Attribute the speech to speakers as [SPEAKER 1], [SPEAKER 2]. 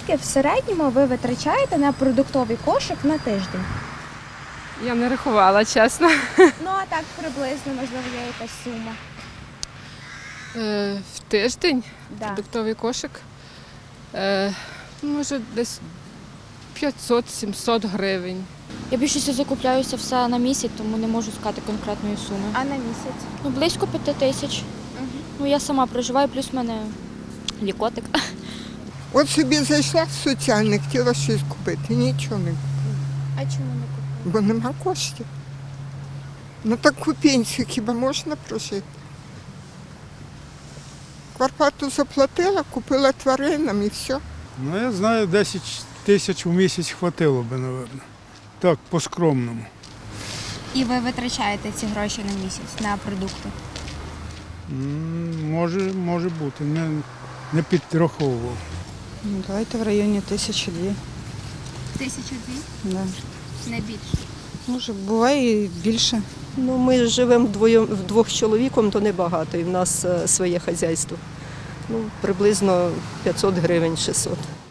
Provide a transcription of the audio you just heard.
[SPEAKER 1] Скільки в середньому ви витрачаєте на продуктовий кошик на тиждень?
[SPEAKER 2] Я не рахувала, чесно.
[SPEAKER 1] Ну, а так приблизно, можливо, є якась сума.
[SPEAKER 2] В тиждень
[SPEAKER 1] Да.
[SPEAKER 2] продуктовий кошик. Може десь 500-700 гривень.
[SPEAKER 3] Я більшістю закупляюся все на місяць, тому не можу сказати конкретної суми.
[SPEAKER 1] А на місяць?
[SPEAKER 3] Ну, близько 5 тисяч. Ну, я сама проживаю, плюс в мене лікотик.
[SPEAKER 4] От собі зайшла в соціальне, хотіла щось купити, нічого не купила,
[SPEAKER 1] А чому не купили?
[SPEAKER 4] бо нема коштів. На таку пенсію хіба можна прожити? Квартплату заплатила, купила тваринам і все.
[SPEAKER 5] Ну, я знаю, 10 тисяч у місяць хватило би, мабуть. Так, по-скромному.
[SPEAKER 1] І ви витрачаєте ці гроші на місяць на продукти?
[SPEAKER 5] Може бути, не підраховував.
[SPEAKER 6] Ну, давайте в районі 1002.
[SPEAKER 1] 1002?
[SPEAKER 6] Да.
[SPEAKER 1] Не більше.
[SPEAKER 6] Може, буває і більше.
[SPEAKER 7] Ну, ми живемо вдвох з чоловіком, то небагато, і в нас своє хазяйство. Ну, приблизно 500 гривень, 600.